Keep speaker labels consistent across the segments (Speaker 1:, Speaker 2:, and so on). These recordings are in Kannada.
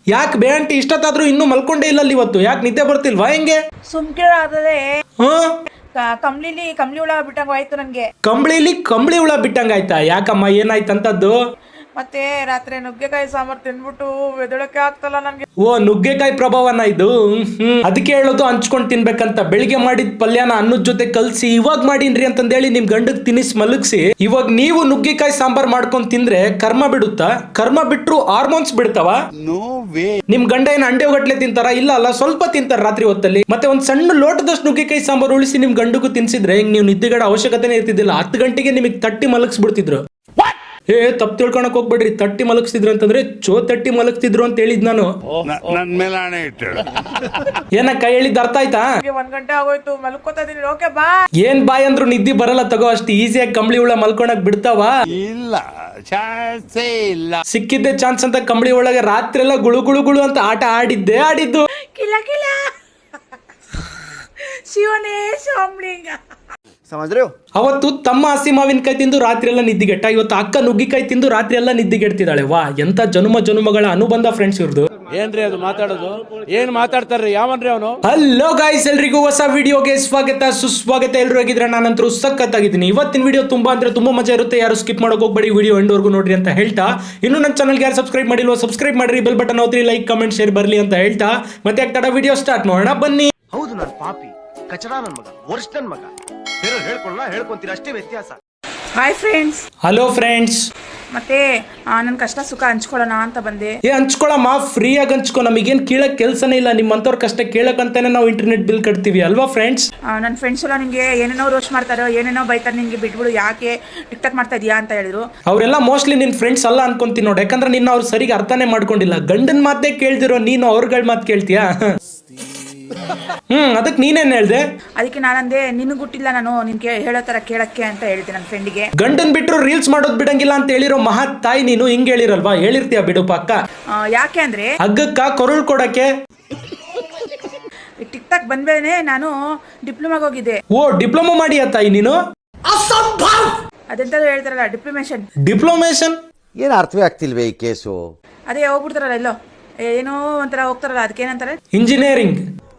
Speaker 1: ಯಾಕೆ ಬೇ ಆಂಟಿ ಇಷ್ಟೊತ್ತಾದ್ರೂ ಇನ್ನೂ ಮಲ್ಕೊಂಡೇ ಇಲ್ಲ ಇವತ್ತು? ಯಾಕೆ ನಿದ್ದೆ ಬರ್ತಿಲ್ವಾ ಹೆಂಗೆ?
Speaker 2: ಸುಮ್ಕೆ ಆದ್ರೆ ಕಂಬ್ಳಿ ಹುಳ ಬಿಟ್ಟಂಗ ಆಯ್ತು ನನ್ಗೆ.
Speaker 1: ಕಂಬಳಿ ಹುಳ ಬಿಟ್ಟಂಗಾಯ್ತಾ? ಯಾಕಮ್ಮ ಏನಾಯ್ತಂತದ್ದು?
Speaker 2: ಮತ್ತೆ ರಾತ್ರಿ ನುಗ್ಗೆಕಾಯಿ ಸಾಂಬಾರ್ ತಿನ್ಬಿಟ್ಟು ಎದಳಕ್ಕೆ ಆಗ್ತಲ್ಲ ನನ್ಗೆ.
Speaker 1: ಓ ನುಗ್ಗೆಕಾಯಿ ಪ್ರಭಾವನ ಇದು. ಅದಕ್ಕೆ ಹೇಳೋದು ಹಂಚ್ಕೊಂಡ್ ತಿನ್ಬೇಕಂತ. ಬೆಳಿಗ್ಗೆ ಮಾಡಿದ ಪಲ್ಯನ ಅನ್ನದ ಜೊತೆ ಕಲ್ಸಿ ಇವಾಗ ಮಾಡೀನ್ರಿ ಅಂತಂದೇಳಿ ನಿಮ್ ಗಂಡಗ್ ತಿನಿಸ್ ಮಲಗಿಸಿ ಇವಾಗ ನೀವು ನುಗ್ಗೆಕಾಯಿ ಸಾಂಬಾರ್ ಮಾಡ್ಕೊಂಡ್ ತಿಂದ್ರೆ ಕರ್ಮ ಬಿಡುತ್ತಾ? ಕರ್ಮ ಬಿಟ್ರು ಹಾರ್ಮೋನ್ಸ್ ಬಿಡ್ತಾವ? ನಿಮ್ ಗಂಡ ಏನ್ ಅಂಡೆ ಗಟ್ಲೆ ತಿಂತಾರ? ಇಲ್ಲ ಅಲ್ಲ, ಸ್ವಲ್ಪ ತಿಂತಾರ ರಾತ್ರಿ ಹೊತ್ತಲ್ಲಿ. ಮತ್ತೆ ಒಂದ್ ಸಣ್ಣ ಲೋಟದಷ್ಟು ನುಗ್ಗೆಕಾಯಿ ಸಾಂಬಾರ್ ಉಳಿಸಿ ನಿಮ್ ಗಂಡಗೂ ತಿನ್ಸಿದ್ರೆ ಹಿಂಗ್ ನೀವು ನಿದ್ದೆಗಡ ಅವಶ್ಯಕತೆನೇ ಇರ್ತಿದ್ದಿಲ್ಲ. 10 ಗಂಟೆಗೆ ನಿಮಗೆ ತಟ್ಟಿ ಮಲಗಿಸ್ಬಿಡ್ತಿದ್ರು. ತಪ್ಪು ತಿಳ್ಕೊಳಕ್ ಹೋಗ್ಬೇಡ್ರಿ. ತಟ್ಟಿ ಮಲಗಿಸ್ತಿದ್ರು ಅಂತಂದ್ರೆ ತಟ್ಟಿ ಮಲಗಿಸ್ತಿದ್ರು ಅಂತ ಹೇಳಿದ್ ನಾನು. ಏನಕ್ಕ ಹೇಳಿದ್ ಅರ್ಥ ಆಯ್ತಾ?
Speaker 2: 1 ಗಂಟೆ ಆಗೋಯ್ತು, ಮಲ್ಕೋತಾ ಇದೀನಿ. ಓಕೆ ಬಾ.
Speaker 1: ಏನ್ ಬಾಯ್ ಅಂದ್ರು ನಿದ್ದೆ ಬರಲ್ಲ ತಗೋ. ಅಷ್ಟು ಈಸಿಯಾಗಿ ಕಂಬಳಿ ಹುಳ ಮಲ್ಕೊಳಕ್ ಬಿಡ್ತಾವ?
Speaker 3: ಇಲ್ಲ, ಚಾನ್ಸೇ ಇಲ್ಲ.
Speaker 1: ಸಿಕ್ಕಿದ್ದೆ ಚಾನ್ಸ್ ಅಂತ ಕಂಬಳಿ ಒಳಗೆ ರಾತ್ರಿ ಎಲ್ಲ ಗುಳು ಗುಳು ಗುಳು ಅಂತ ಆಟ ಆಡಿದ್ದು.
Speaker 2: ಕಿಲ ಕಿಲ ಶಿವನೇ ಶಾಂಬ್ಳಿಂಗ.
Speaker 1: ಅವತ್ತು ತಮ್ಮ ಹಸಿ ಮಾವಿನಕಾಯಿ ತಿಂದು ರಾತ್ರಿ ಎಲ್ಲ ನಿದ್ದಿಗೆಟ್ಟ. ಇವತ್ತು ಅಕ್ಕ ನುಗ್ಗಿಕಾಯಿ ತಿಂದು ರಾತ್ರಿ ಎಲ್ಲ ನಿದ್ದಿಗೆಡ್ತಿದ್ದಾಳೆ. ವಾ, ಎಂತ ಜನುಮಗಳ ಅನುಬಂಧ ಫ್ರೆಂಡ್ಸ್ ಇವ್ರದ್ದು.
Speaker 4: ಏನ್ರಿ ಅದು ಮಾತಾಡೋದು? ಏನ್ ಮಾತಾಡ್ತಾರ್ರಿ? ಯಾವನ್ರಿ ಅವನು?
Speaker 1: ಹಲೋ ಗಾಯ್ಸ್, ಎಲ್ರಿಗೂ ಹೊಸ ವಿಡಿಯೋಗೆ ಸ್ವಾಗತ ಸುಸ್ವಾಗತ. ಎಲ್ರು ಆಗಿದ್ರೆ ನಾನಂತರೂ ಸಖತ್ತಾಗಿದ್ದೀನಿ. ಇವತ್ತಿನ ವಿಡಿಯೋ ತುಂಬಾ ಅಂದ್ರೆ ತುಂಬಾ ಮಜಾ ಇರುತ್ತೆ. ಯಾರು ಸ್ಕಿಪ್ ಮಾಡೋಕೆ ಹೋಗ್ಬೇಡಿ, ವಿಡಿಯೋ ಎಂಡ್ವರೆಗೂ ನೋಡ್ರಿ ಅಂತ ಹೇಳ್ತಾ, ಇನ್ನು ನನ್ನ ಚಾನಲ್ಗೆ ಯಾರು ಸಬ್ಸ್ಕ್ರೈಬ್ ಮಾಡಿಲ್ವೋ ಸಬ್ಸ್ಕ್ರೈಬ್ ಮಾಡ್ರಿ, ಬೆಲ್ ಬಟನ್ ಒತ್ತಿ, ಲೈಕ್ ಕಮೆಂಟ್ ಶೇರ್ ಬರ್ಲಿ ಅಂತ ಹೇಳ್ತಾ, ಮತ್ತೆ ಆಗ್ತಾಡ ವಿಡಿಯೋ ಸ್ಟಾರ್ಟ್ ಮಾಡೋಣ ಬನ್ನಿ.
Speaker 5: ಹೌದು, ನಾನು ಪಾಪಿ, ಕಚಡ ನನ್ ಮಗ, ವರ್ಷ ನನ್ ಮಗ. ಬೇರೆ ಹೇಳ್ಕೊಂತೀರ ಅಷ್ಟೇ ವ್ಯತ್ಯಾಸ.
Speaker 2: Hi friends.
Speaker 1: Hello friends.
Speaker 2: ಮತ್ತೆ ನನ್ನ ಕಷ್ಟ ಸುಖ ಹಂಚ್ಕೊಳ್ಳೋಣ ಅಂತ ಬಂದೆ.
Speaker 1: ಹಂಚ್ಕೊಳಮ್ಮ, ಫ್ರೀಯಾಗಿ ಹಂಚ್ಕೊ. ನಮಗೇನ್ ಕೇಳಕ್ ಕೆಲ್ಸನೇ ಇಲ್ಲ. ನಿಮ್ಮಂತವ್ರ ಕಷ್ಟ ಕೇಳಕ್ಕಂತಾನೆ ನಾವು ಇಂಟರ್ನೆಟ್ ಬಿಲ್ ಕಟ್ತೀವಿ ಅಲ್ವಾ ಫ್ರೆಂಡ್ಸ್?
Speaker 2: ನನ್ನ ಫ್ರೆಂಡ್ಸ್ ಎಲ್ಲ ನಿಂಗೆ ಏನೇನೋ ರೋಸ್ಟ್ ಮಾಡ್ತಾರೋ, ಏನೇನೋ ಬೈತಾರೆ, ನಿಂಗೆ ಬಿಟ್ಬಿಡು, ಯಾಕೆ ಟಿಕ್ಟಾಕ್ ಮಾಡ್ತಾ ಇದೀಯಾ ಅಂತ ಹೇಳಿದ್ರು.
Speaker 1: ಅವರೆಲ್ಲ ಮೋಸ್ಟ್ಲಿ ನಿನ್ ಫ್ರೆಂಡ್ಸ್ ಅಲ್ಲ ಅನ್ಕೊಂತೀನಿ ನೋಡಿ. ಯಾಕಂದ್ರೆ ನಿನ್ನ ಅವ್ರು ಸರಿಗೆ ಅರ್ಥನೇ ಮಾಡ್ಕೊಂಡಿಲ್ಲ. ಗಂಡನ್ ಮಾತೇ ಕೇಳ್ದಿರೋ ನೀನು ಅವ್ರಗಳ ಮಾತು ಕೇಳ್ತೀಯಾ? ಅದಕ್ಕೆ ನೀನೇನ್ ಹೇಳ್ದೆ?
Speaker 2: ಅದಕ್ಕೆ ನಾನಂದೆ, ನಿನಗೆ ಗುಟ್ಟಿಲ್ಲ ನಾನು ನಿನ್ಗೆ ಹೇಳೋ ತರ ಕೇಳಕ್ಕೆ ಅಂತ ಹೇಳಿದೆ ನನ್ನ ಫ್ರೆಂಡಿಗೆ.
Speaker 1: ಗಂಡನ್ ಬಿಟ್ರು ರೀಲ್ಸ್ ಮಾಡೋದ್ ಬಿಡಂಗಿಲ್ಲ ಅಂತ ಹೇಳಿರೋ ಮಹತ್ ತಾಯಿ ನೀನು. ಹಿಂಗ್ ಹೇಳಿರಲ್ವಾ? ಹೇಳಿರ್ತೀಯ ಬಿಡು ಪಕ್ಕ.
Speaker 2: ಯಾಕೆ ಅಂದ್ರೆ
Speaker 1: ಹಗ್ಗಕ್ಕ ಕೊರಳು ಕೊಡಕ್ಕೆ.
Speaker 2: ಟಿಕ್ಟಾಕ್ ಬಂದ್ಮೇಲೆ ನಾನು ಡಿಪ್ಲೊಮಾಗ ಹೋಗಿದ್ದೆ.
Speaker 1: ಓ, ಡಿಪ್ಲೊಮಾ ಮಾಡಿಯ ತಾಯಿ ನೀನು?
Speaker 2: ಅದೆಂತ ಹೇಳ್ತಾರಲ್ಲ,
Speaker 1: ಡಿಪ್ಲೊಮೇಶನ್
Speaker 5: ಏನ್ ಅರ್ಥವೇ ಆಗ್ತಿಲ್ವೇ ಈ ಕೇಸು?
Speaker 2: ಅದೇ ಹೋಗ್ಬಿಡ್ತಾರಲ್ಲ ಎಲ್ಲೋ ಏನೋ ಒಂಥರ ಹೋಗ್ತಾರಲ್ಲ, ಅದಕ್ಕೇನಂತಾರೆ?
Speaker 1: Engineering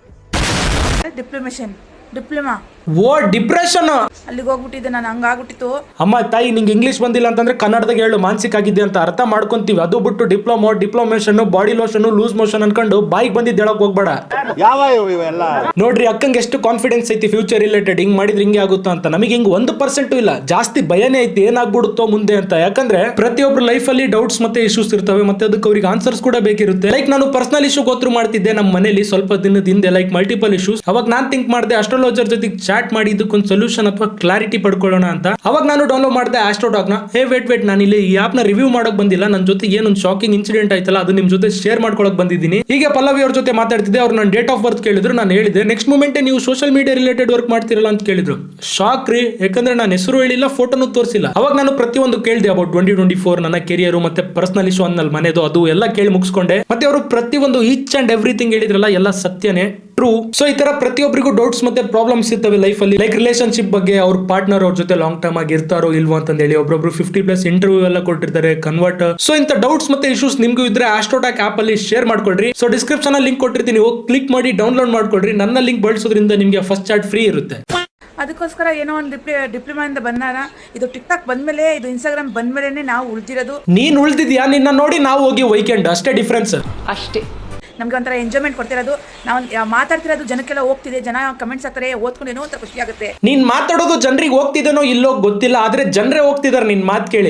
Speaker 2: diploma.
Speaker 1: Oh, depression.
Speaker 2: ಅಲ್ಲಿಗೆ ಹೋಗ್ಬಿಟ್ಟಿದ್ದೆ ನಾನು. ಹಂಗಾಗ್ಬಿಟ್ಟಿತ್ತು.
Speaker 1: ಅಮ್ಮ ತಾಯಿ, ನಿಂಗೆ ಇಂಗ್ಲಿಷ್ ಬಂದಿಲ್ಲ ಅಂತಂದ್ರೆ ಕನ್ನಡದಾಗ ಹೇಳು, ಮಾನಸಿಕ ಆಗಿದ್ದೆ ಅಂತ ಅರ್ಥ ಮಾಡ್ಕೊಂತೀವಿ. ಅದು ಬಿಟ್ಟು diplomation, body lotion, loose motion ಅನ್ಕೊಂಡು ಬಾಯಿಗೆ ಬಂದಿದ್ದು ಹೇಳಕ್ ಹೋಗ್ಬೇಡ.
Speaker 3: ಯಾವ ಇವೆಲ್ಲ
Speaker 1: ನೋಡ್ರಿ, ಅಕ್ಕಂಗೆ ಎಷ್ಟು ಕಾನ್ಫಿಡೆನ್ಸ್ ಐತಿ ಫ್ಯೂಚರ್ ರಿಲೇಟೆಡ್. ಹಿಂಗ್ ಮಾಡಿದ್ರೆ ಹಿಂಗೆ ಆಗುತ್ತಾ ಅಂತ. ನಮಗೆ ಹಿಂಗ್ 1% ಇಲ್ಲ. ಜಾಸ್ತಿ ಭಯನೇ ಐತಿ ಏನಾಗ್ಬಿಡುತ್ತೋ ಮುಂದೆ ಅಂತ. ಯಾಕಂದ್ರೆ ಪ್ರತಿಯೊಬ್ರು ಲೈಫ್ ಅಲ್ಲಿ ಡೌಟ್ಸ್ ಮತ್ತೆ ಇಶ್ಯೂಸ್ ಇರ್ತವೆ. ಮತ್ತೆ ಅದಕ್ಕೆ ಅವ್ರಿಗೆ ಆನ್ಸರ್ಸ್ ಕೂಡ ಬೇಕಿರುತ್ತೆ. ಲೈಕ್ ನಾನು ಪರ್ಸನಲ್ ಇಶ್ಯೂ ಗೋತ್ರು ಮಾಡ್ತಿದ್ದೆ ನಮ್ಮ ಮನೇಲಿ ಸ್ವಲ್ಪ ದಿನದ ಹಿಂದೆ, ಲೈಕ್ ಮಲ್ಟಿಪಲ್ ಇಶ್ಯೂಸ್. ಅವಾಗ ನಾನ್ ಥಿಂಕ್ ಮಾಡಿದೆ ಅಸ್ಟ್ರಾಲಜರ್ ಜೊತೆ ಚಾಟ್ ಮಾಡಿ ಇದಕ್ಕೊಂದು ಸೊಲ್ಯೂಷನ್ ಅಥವಾ ಕ್ಲಾರಿಟಿ ಪಡ್ಕೊಳ್ಳೋಣ ಅಂತ. ಅವಾಗ ನಾನು ಡೌನ್ಲೋಡ್ ಮಾಡಿದೆ ಆಸ್ಟ್ರೋಡಾಗ್ ನ. ವೇಟ್, ನಾನು ಇಲ್ಲಿ ಈ ಆಪ್ ನ ರಿವ್ಯೂ ಮಾಡಕ್ ಬಂದಿಲ್ಲ. ನನ್ನ ಜೊತೆ ಏನೊಂದು ಶಾಕಿಂಗ್ ಇನ್ಸಿಡೆಂಟ್ ಆಯ್ತಲ್ಲ, ಅದು ನಿಮ್ ಜೊತೆ ಶೇರ್ ಮಾಡ್ಕೊಳಕ್ ಬಂದಿದ್ದೀನಿ. ಹೀಗೆ ಪಲ್ಲವಿ ಅವ್ರ ಜೊತೆ ಮಾತಾಡ್ತಿದ್ದೆ. ಅವ್ರು ನನ್ನ ಡೇಟ್ ಆಫ್ ಬರ್ತ್ ಕೇಳಿದ್ರು. ನಾನು ಹೇಳಿದೆ ನೆಕ್ಸ್ಟ್ ಮೂಮೆಂಟ್ ನೀವು ಸೋಷಿಯಲ್ ಮೀಡಿಯಾ ರಿಲೇಟೆಡ್ ವರ್ಕ್ ಮಾಡ್ತಿರಲ್ಲ ಅಂತ ಕೇಳಿದ್ರು. ಶಾಕ್ ರೀ, ಯಾಕಂದ್ರೆ ನಾನು ಹೆಸರು ಹೇಳಿಲ್ಲ, ಫೋಟೋನು ತೋರಿಸಿಲ್ಲ. ಅವಾಗ ನಾನು ಪ್ರತಿಯೊಂದು ಕೇಳಿದೆ ಅಬೌಟ್ 2024 ನನ್ನ ಕೆರಿಯರ್ ಮತ್ತೆ ಪರ್ಸನಲ್ ಇಶ್ಯೂ ಅನ್ನಲ್ ಮನೆದು, ಅದು ಎಲ್ಲ ಕೇಳಿ ಮುಗಿಸ್ಕೊಂಡೆ. ಮತ್ತೆ ಅವರು ಪ್ರತಿಯೊಂದು ಈಚ್ ಅಂಡ್ ಎವ್ರಿಥಿಂಗ್ ಹೇಳಿದ್ರಲ್ಲ, ಎಲ್ಲ ಸತ್ಯನೇ, ಟ್ರೂ. ಸೊ ಈ ತರ ಪ್ರತಿಯೊಬ್ಬರಿಗೂ ಡೌಟ್ಸ್ ಮತ್ತೆ ಪ್ರಾಬ್ಲಮ್ಸ್ ಇರ್ತವೆ ಲೈಫ್ ಅಲ್ಲಿ. ಲೈಕ್ ರಿಲೇಶನ್ಶಿಪ್ ಬಗ್ಗೆ, ಅವ್ರ ಪಾರ್ಟ್ನರ್ ಅವ್ರ ಜೊತೆ ಲಾಂಗ್ ಟರ್ಮ್ ಆಗಿ ಇರ್ತಾರೋ ಇಲ್ವೋ ಅಂತ ಹೇಳಿ. ಒಬ್ಬೊಬ್ರು 50+ ಇಂಟರ್ವ್ಯೂ ಎಲ್ಲ ಕೊಟ್ಟಿರ್ತಾರೆ, ಕನ್ವರ್ಟ್. ಸೊ ಇಂಥ ಡೌಟ್ಸ್ ಮತ್ತೆ ಇಶ್ಯೂಸ್ ನಿಮ್ಗೂ ಇದ್ರೆ ಆಸ್ಟ್ರೋಟಾಕ್ ಆಪ್ ಅಲ್ಲಿ ಶೇರ್ ಮಾಡ್ಕೊಳ್ರಿ. ಸೊ ಡಿಸ್ಕ್ರಿಪ್ಷನ್ ಅಲ್ಲಿ ಲಿಂಕ್ ಕೊಟ್ಟಿರ್ತೀನಿ, ಹೋಗಿ ಕ್ಲಿಕ್ ಮಾಡಿ ಡೌನ್ಲೋಡ್ ಮಾಡ್ಕೊಳ್ರಿ. ನನ್ನ ಲಿಂಕ್ ಬಳಸೋದ್ರಿಂದ ನಿಮ್ಗೆ ಫಸ್ಟ್ ಚಾಟ್ ಫ್ರೀ ಇರುತ್ತೆ.
Speaker 2: ಅದಕ್ಕೋಸ್ಕರ ಏನೋ ಒಂದು ಡಿಪ್ಲೊಮಾ ಇಂದ ಬಂದಾಗ, ಇದು ಟಿಕ್ಟಾಕ್ ಬಂದ್ಮೇಲೆ, ಇದು ಇನ್ಸ್ಟಾಗ್ರಾಮ್ ಬಂದ್ಮೇಲೆ ನಾವು ಉಳಿದಿರೋದು.
Speaker 1: ನೀನ್ ಉಳಿದಿದ್ಯಾ? ನಿನ್ನ ನೋಡಿ ನಾವು ಹೋಗಿ ವೀಕೆಂಡ್, ಅಷ್ಟೇ ಡಿಫ್ರೆನ್ಸ್.
Speaker 2: ಅಷ್ಟೇ. ನಮ್ಗೆ ಒಂಥರ ಎಂಜಾಯ್ಮೆಂಟ್ ಕೊಡ್ತಿರೋದು. ನಾವು ಮಾತಾಡ್ತಿರೋದು ಜನಕ್ಕೆಲ್ಲ ಹೋಗ್ತಿದೆ, ಜನ ಕಮೆಂಟ್ಸ್ ಹಾಕ್ತಾರೆ, ಓದ್ಕೊಂಡು ಏನೋ ಒಂಥರ ಖುಷಿ ಆಗುತ್ತೆ.
Speaker 1: ನೀನ್ ಮಾತಾಡೋದು ಜನರಿಗೆ ಹೋಗ್ತಿದೇನೋ ಇಲ್ಲೋ ಗೊತ್ತಿಲ್ಲ, ಆದ್ರೆ ಜನರೇ ಹೋಗ್ತಿದಾರೆ ನಿನ್ ಮಾತು ಕೇಳಿ.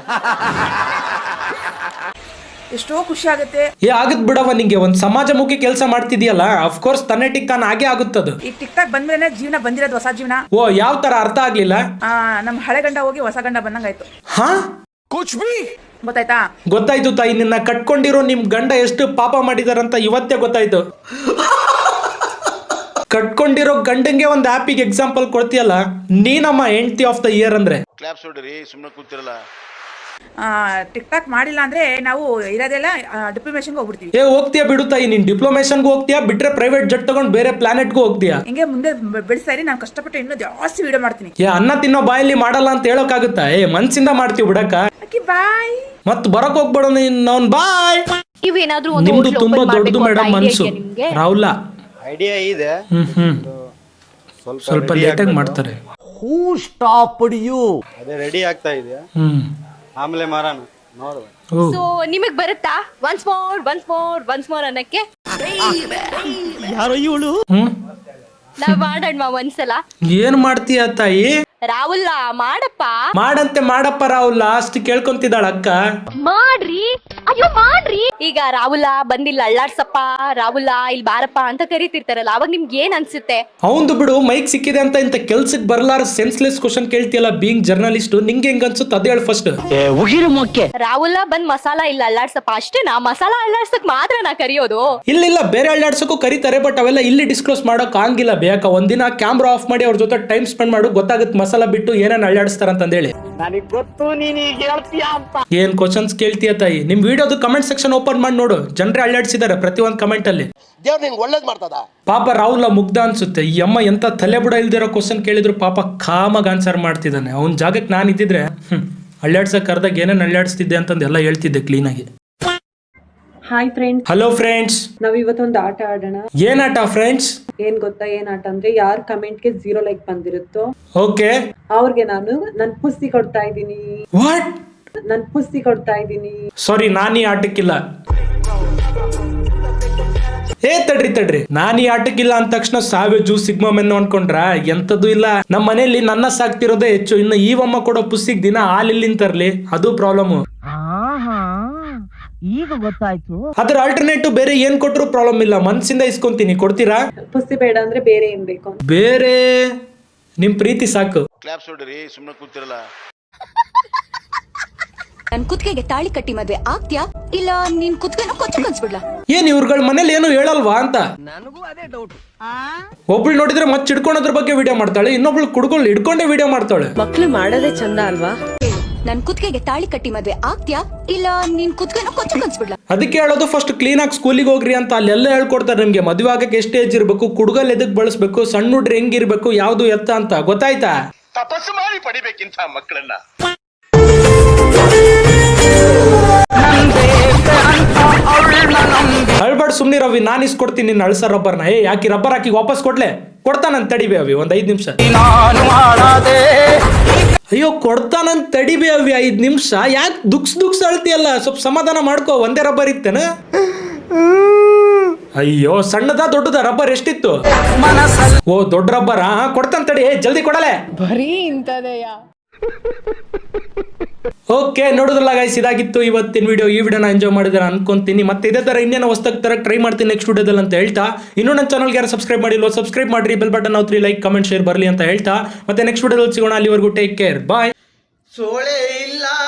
Speaker 2: ಎಷ್ಟೋ ಖುಷಿ ಆಗುತ್ತೆ.
Speaker 1: ಆಗತ್ ಬಿಡವ, ನಿಂಗೆ ಒಂದ್ ಸಮಾಜಮುಖಿ ಕೆಲಸ ಮಾಡ್ತಿದ್ಯಲ್ಲ, ಅಫ್ಕೋರ್ಸ್ ತನ್ನೆ ಟಿಕ್ತಾನ ಹಾಗೆ ಆಗುತ್ತದು.
Speaker 2: ಈ ಟಿಕ್ಟಾಕ್ ಬಂದ್ಮೇಲೆ ಜೀವನ ಬಂದಿರೋದು, ಹೊಸ ಜೀವನ.
Speaker 1: ಓ, ಯಾವ ತರ ಅರ್ಥ ಆಗ್ಲಿಲ್ಲ?
Speaker 2: ನಮ್ ಹಳೆ ಗಂಡ ಹೋಗಿ ಹೊಸ ಗಂಡ ಬಂದಂಗಾಯ್ತು.
Speaker 1: ಹಾ,
Speaker 2: ಗೊತ್ತಾಯ್ತಾ?
Speaker 1: ಗೊತ್ತಾಯ್ತು ತಾಯಿ. ನಿನ್ನ ಕಟ್ಕೊಂಡಿರೋ ನಿಮ್ ಗಂಡ ಎಷ್ಟು ಪಾಪ ಮಾಡಿದಾರಂತ ಇವತ್ತೇ ಗೊತ್ತಾಯ್ತು. ಕಟ್ಕೊಂಡಿರೋ ಗಂಡಂಗೆ ಒಂದು ಆಪಿಗೆ ಎಕ್ಸಾಂಪಲ್ ಕೊಡ್ತೀಯಲ್ಲ, ನೀನಮ್ಮ ಹೆಂಡತಿ ಆಫ್ ದ ಇಯರ್ ಅಂದ್ರೆ.
Speaker 3: ಕ್ಲಾಪ್ಸ್ ಹೊಡಿರಿ, ಸುಮ್ಮನೆ ಕೂತಿರಲ್ಲ.
Speaker 2: ಟಿಕ್ ಟಾಕ್ ಮಾಡಿಲ್ಲ ಅಂದ್ರೆ ನಾವು ಇರೋದೆಲ್ಲ ಡಿಪ್ಲೊಮೇಷನ್ಗೆ ಹೋಗ್ಬಿಡ್ತೀವಿ.
Speaker 1: ಏ ಹೋಗ್ತೀಯಾ ಬಿಡುತ್ತಾಯಿ, ನೀನ್ ಡಿಪ್ಲೊಮೇಷನ್ಗೂ ಹೋಗ್ತೀಯಾ, ಬಿಟ್ರೆ ಪ್ರೈವೇಟ್ ಜೆಟ್ ತಗೊಂಡ್ ಬೇರೆ ಪ್ಲಾನೆಟ್ಗೂ ಹೋಗ್ತೀಯಾ?
Speaker 2: ಹಿಂಗೆ ಮುಂದೆ ಬೆಳೆಸ್ತಾ ಇರಿ, ನಾನು ಕಷ್ಟಪಟ್ಟು ಇನ್ನೂ ಜಾಸ್ತಿ ವಿಡಿಯೋ ಮಾಡ್ತೀನಿ.
Speaker 1: ಏ ಅನ್ನ ತಿನ್ನೋ ಬಾಯಲ್ಲಿ ಮಾಡಲ್ಲ ಅಂತ ಹೇಳೋಕ್ಕಾಗುತ್ತಾ? ಏ ಮನ್ಸಿಂದ ಮಾಡ್ತೀವಿ ಬಿಡಕ್ಕ.
Speaker 2: ಬಾಯ್.
Speaker 1: ಮತ್ ಬರಕ್ ಹೋಗ್ಬೇಡ ನೀನ್ ಬಾಯ್.
Speaker 6: ಇವೇನಾದ್ರೂ
Speaker 1: ನಿಮ್ದು ತುಂಬಾ ದೊಡ್ಡದು ಮೇಡಮ್ ಮನ್ಸು ರಾಹುಲ.
Speaker 5: ಐಡಿಯಾ ಇದೆ,
Speaker 1: ಸ್ವಲ್ಪ ಲೇಟ್ ಆಗಿ ಮಾಡ್ತಾರೆ.
Speaker 5: ಅದೇ ರೆಡಿ ಆಗ್ತಾ ಇದೆ, ಆಮೇಲೆ ಮಾರೋಣ ನೋಡುವ.
Speaker 6: ಸೊ ನಿಮಗ್ ಬರುತ್ತಾ ಒನ್ಸ್ ಮೋರ್ ಅನ್ನಕ್ಕೆ? ನಾವ್ ಮಾಡೋಣ ಒಂದ್ಸಲ.
Speaker 1: ಏನ್ ಮಾಡ್ತೀಯ ತಾಯಿ?
Speaker 6: ರಾಹುಲ್ ಮಾಡಪ್ಪ.
Speaker 1: ಮಾಡಪ್ಪ ರಾಹುಲ್. ಲಾಸ್ಟ್ ಕೇಳ್ಕೊಂತಿದ್ದಾಳ ಅಕ್ಕ.
Speaker 6: ಮಾಡ್ರಿ, ಅಯ್ಯೋ ಮಾಡ್ರಿ. ಈಗ ರಾಹುಲ ಬಂದಿಲ್ಲ ಅಳ್ಳಾಡ್ಸಪ್ಪ, ರಾಹುಲ ಇಲ್ಲಿ ಬಾರಪ್ಪ ಅಂತ ಕರಿತಿರ್ತಾರಲ್ಲ, ಅವಾಗ ನಿಮ್ಗೆ ಏನ್ ಅನ್ಸುತ್ತೆ?
Speaker 1: ಅವಂದು ಬಿಡು, ಮೈಕ್ ಸಿಕ್ಕಿದೆ ಅಂತ ಇಂತ ಕೆಲ್ಸಕ್ಕೆ ಬರ್ಲಾರ ಸೆನ್ಸ್ಲೆಸ್ ಕ್ವಶನ್ ಕೇಳ್ತಿಯಲ್ಲ ಬೀಯಿಂಗ್ ಜರ್ನಲಿಸ್ಟ್. ನಿಂಗೆ ಹೆಂಗ್ ಅನ್ಸುತ್ತೆ ಅದೇ ಹೇಳು ಫಸ್ಟ್.
Speaker 6: ರಾಹುಲ ಬಂದ್ ಮಸಾಲ ಇಲ್ಲ ಅಳ್ಳಾಡ್ಸಪ್ಪ ಅಷ್ಟೇನಾ? ಮಸಾಲ ಅಳ್ಳಾಡ್ಸಕ್ ಮಾತ್ರ ನಾ ಕರಿಯೋದು?
Speaker 1: ಇಲ್ಲ ಬೇರೆ ಅಳ್ಳಾಡ್ಸಕ್ಕೂ ಕರೀತಾರೆ, ಬಟ್ ಅವೆಲ್ಲ ಇಲ್ಲಿ ಡಿಸ್ಕ್ಲೋಸ್ ಮಾಡೋಕ್ ಆಗಿಲ್ಲ. ಬೇಕಾ ಒಂದಿನ ಕ್ಯಾಮ್ರಾ ಆಫ್ ಮಾಡಿ ಅವ್ರ ಜೊತೆ ಟೈಮ್ ಸ್ಪೆಂಡ್ ಮಾಡು, ಗೊತ್ತಾಗುತ್ತೆ ಮಸಾಲ ಬಿಟ್ಟು ಏನೇನ್ ಅಳ್ಳಾಡಿಸ್ತಾರ ಅಂತಂದೇಳಿ. ಏನ್ ಕ್ವಶನ್ಸ್ ಕೇಳ್ತೀಯ ತಾಯಿ? ನಿಮ್ ವಿಡಿಯೋದು ಕಮೆಂಟ್ ಸೆಕ್ಷನ್ ಓಪನ್ ಮಾಡಿ ನೋಡು, ಜನರೇ ಅಳ್ಳಾಡ್ಸಿದ್ದಾರೆ ಪ್ರತಿ ಒಂದ್ ಕಮೆಂಟ್ ಅಲ್ಲಿ. ಪಾಪ ರಾಹುಲ್ ಮುಗ್ಧ ಅನ್ಸುತ್ತೆ. ಈ ಅಮ್ಮ ಎಂತ ತಲೆ ಬುಡ ಇಲ್ದಿರೋ ಕ್ವಶನ್ ಕೇಳಿದ್ರು ಪಾಪ ಕಾಮಾಗ ಆನ್ಸರ್ ಮಾಡ್ತಿದ್ದಾನೆ. ಅವ್ನ ಜಾಗಕ್ಕೆ ನಾನು ಇದ್ದಿದ್ರೆ ಅಳ್ಳಾಡ್ಸಕ್ ಕರ್ದಾಗ ಏನೇನ್ ಅಳ್ಳಾಡಿಸ್ತಿದ್ದೆ ಅಂತಂದು ಎಲ್ಲ ಹೇಳ್ತಿದ್ದೆ ಕ್ಲೀನ್ ಆಗಿ.
Speaker 7: Hi friends.
Speaker 1: Hello friends.
Speaker 7: ನಾವ್ ಇವತ್ತೊಂದು ಆಟ ಆಡೋಣ.
Speaker 1: ಏನ್ ಆಟ ಫ್ರೆಂಡ್ಸ್?
Speaker 7: ಏನ್ ಗೊತ್ತಾ ಏನ್ ಆಟ ಅಂದ್ರೆ, ಯಾರ್ ಕಮೆಂಟ್ಗೆ 0 ಲೈಕ್ ಬಂದಿರುತ್ತೋ
Speaker 1: ಓಕೆ,
Speaker 7: ಅವ್ರಿಗೆ ನಾನು ನನ್ ಪುಸ್ತಿ ಕೊಡ್ತಾ ಇದ್ದೀನಿ.
Speaker 1: ವಾಟ್?
Speaker 7: ನನ್ ಪುಸ್ತಿ ಕೊಡ್ತಾ ಇದ್ದೀನಿ.
Speaker 1: ಸಾರಿ, ನಾನು ಈ ಆಟಕ್ಕಿಲ್ಲ. ಏ ತಡ್ರಿ, ನಾನು ಈ ಆಟಕ್ಕಿಲ್ಲ ಅಂದ ತಕ್ಷಣ ಸಾವೇಜು ಸಿಗ್ಮಾ ಮೆನ್ನು ಅನ್ಕೊಂಡ್ರ? ಎಂತದ್ದು ಇಲ್ಲ. ನಮ್ಮ ಮನೆಯಲ್ಲಿ ನನ್ನ ಸಾಕ್ತಿರೋದೇ ಹೆಚ್ಚು. ಇನ್ನು ಈವಮ್ಮ ಕೊಡೋ ಪುಸ್ತಿಗ್ ದಿನ ಹಾಲಿಲ್ಲಿಂದ ತರ್ಲಿ, ಅದು ಪ್ರಾಬ್ಲಮ್.
Speaker 8: ಈಗ ಗೊತ್ತಾಯ್ತು.
Speaker 1: ಅದ್ರ ಆಲ್ಟರ್ನೇಟಿವ್ ಬೇರೆ ಏನ್ ಕೊಟ್ರು ಪ್ರಾಬ್ಲಮ್ ಇಲ್ಲ, ಮನ್ಸಿಂದ ಇಸ್ಕೊಂತೀನಿ. ಕೊಡ್ತೀರಾ?
Speaker 7: ಪುಸ್ತಿ ಬೇಡ ಅಂದ್ರೆ ಬೇರೆ ಏನ್ ಬೇಕು?
Speaker 1: ಬೇರೆ ನಿಮ್ ಪ್ರೀತಿ ಸಾಕು.
Speaker 3: ಕ್ಲಾಪ್ಸ್ ಹೊಡ್ರಿ, ಸುಮ್ಮನೆ ಕೂತಿರಲ್ಲ.
Speaker 9: ನನ್ ಕುತ್ತಿಗೆಗೆ ತಾಳಿ ಕಟ್ಟಿ ಮದ್ವೆ ಆಗ್ತ್ಯಾ, ಇಲ್ಲ ನಿನ್ ಕುತ್ತಿಗೆನ ಕೊಚ್ಚ ಕನ್ಸ್ಬಿಡ್ಲಾ?
Speaker 1: ಏನ್ ಇವ್ರಗಳ ಮನೇಲಿ ಏನು ಹೇಳಲ್ವಾ ಅಂತ
Speaker 8: ನನಗೂ ಅದೇ ಡೌಟ್.
Speaker 1: ಒಬ್ಳು ನೋಡಿದ್ರೆ ಮತ್ತೆ ಹಿಡ್ಕೊಳೋದ್ರ ಬಗ್ಗೆ ವಿಡಿಯೋ ಮಾಡ್ತಾಳೆ, ಇನ್ನೊಬ್ಳು ಕುಡ್ಕೊಂಡು ಹಿಡ್ಕೊಂಡೇ ವಿಡಿಯೋ ಮಾಡ್ತಾಳೆ.
Speaker 8: ಮಕ್ಳು ಮಾಡೋದೇ ಚಂದ ಅಲ್ವಾ?
Speaker 9: ನನ್ ಕುತ್ತಿಗೆಗೆ ತಾಳಿ ಕಟ್ಟಿ ಮದ್ವೆ ಆಗ್ತ್ಯಾ, ಇಲ್ಲ ನಿನ್ ಕುತ್ತಿಗೆನ ಕೊಚ್ಚ ಕನ್ಸ್ಬಿಡ್ಲಾ?
Speaker 1: ಅದಕ್ಕೆ ಹೇಳೋದು ಫಸ್ಟ್ ಕ್ಲೀನ್ ಆಗಿ ಸ್ಕೂಲಿಗೆ ಹೋಗ್ರಿ ಅಂತ. ಅಲ್ಲೆಲ್ಲ ಹೇಳ್ಕೊಡ್ತಾರೆ ನಿಮ್ಗೆ ಮದುವೆ ಆಗಕ್ಕೆ ಎಷ್ಟು ಏಜ್ ಇರ್ಬೇಕು, ಕುಡ್ಗಲ್ ಎದಕ್ ಬಳಸ್ಬೇಕು, ಸಣ್ಣ ಹುಡ್ರಿ ಹೆಂಗಿರ್ಬೇಕು, ಯಾವ್ದು ಎತ್ತ ಅಂತ. ಗೊತ್ತಾಯ್ತಾ?
Speaker 3: ತಪಸ್ಸು ಮಾಡಿ ಪಡಿಬೇಕಿಂತ ಮಕ್ಕಳನ್ನ.
Speaker 1: ಅಳ್ಬಾರ್ದು ಸುಮ್ನಿ ರವಿ, ನಾನು ಇಸ್ಕೊಡ್ತೀನಿ ನಿನ್ನ ಅಳ್ಸ ರಬ್ಬರ್ನ. ಏ ಯಾಕಿ ರಬ್ಬರ್ ಹಾಕಿ ವಾಪಸ್ ಕೊಡ್ಲೆ? ಕೊಡ್ತಾನಂತ ತಡಿಬೇ ಅವಿ ಒಂದ್ 5 ನಿಮಿಷ. ಅಯ್ಯೋ ಕೊಡ್ತಾನಂತ ತಡಿಬೇ ಅವಿ 5 ನಿಮಿಷ. ಯಾಕೆ ದುಕ್ಸ್ ಅಳ್ತಿಯಲ್ಲ? ಸ್ವಲ್ಪ ಸಮಾಧಾನ ಮಾಡ್ಕೋ. ಒಂದೇ ರಬ್ಬರ್ ಇತ್ತೇನ? ಅಯ್ಯೋ ಸಣ್ಣದ ದೊಡ್ಡದ ರಬ್ಬರ್ ಎಷ್ಟಿತ್ತು? ಓ ದೊಡ್ಡ ರಬ್ಬರ್. ಕೊಡ್ತಾನ ತಡಿ, ಜಲ್ದಿ ಕೊಡಲೆ.
Speaker 8: ಬರೀ ಇಂತದೆಯ.
Speaker 1: ಓಕೆ, ನೋಡೋದಲ್ಲ ಗೈಸ್, ಇದಾಗಿತ್ತು ಇವತ್ತಿನ ವಿಡಿಯೋ. ಈ ವಿಡಿಯೋನ ಎಂಜಾಯ್ ಮಾಡಿದ್ರೆ ಅನ್ಕೊಂತೀನಿ. ಮತ್ತೆ ಇದೇ ತರ ಇನ್ನೇನು ಹೊಸದಾಗಿ ತರ ಟ್ರೈ ಮಾಡ್ತೀನಿ ನೆಕ್ಸ್ಟ್ ವಿಡಿಯೋದಲ್ಲಿ ಅಂತ ಹೇಳ್ತಾ, ಇನ್ನೂ ನನ್ನ ಚಾನಲ್ಗೆ ಯಾರು ಸಬ್ಸ್ಕ್ರೈಬ್ ಮಾಡಿಲ್ಲ ಸಬ್ಸ್ಕ್ರೈಬ್ ಮಾಡ್ರಿ, ಬೆಲ್ ಬಟನ್ ನಾವು 3 ಲೈಕ್ ಕಮೆಂಟ್ ಶೇರ್ ಬರಲಿ ಅಂತ ಹೇಳ್ತಾ, ಮತ್ತೆ ನೆಕ್ಸ್ಟ್ ವಿಡಿಯೋದಲ್ಲಿ ಸಿಗೋಣ. ಅಲ್ಲಿವರೆಗೂ ಟೇಕ್ ಕೇರ್, ಬಾಯ್.
Speaker 5: ಸೋಳೆ ಇಲ್ಲ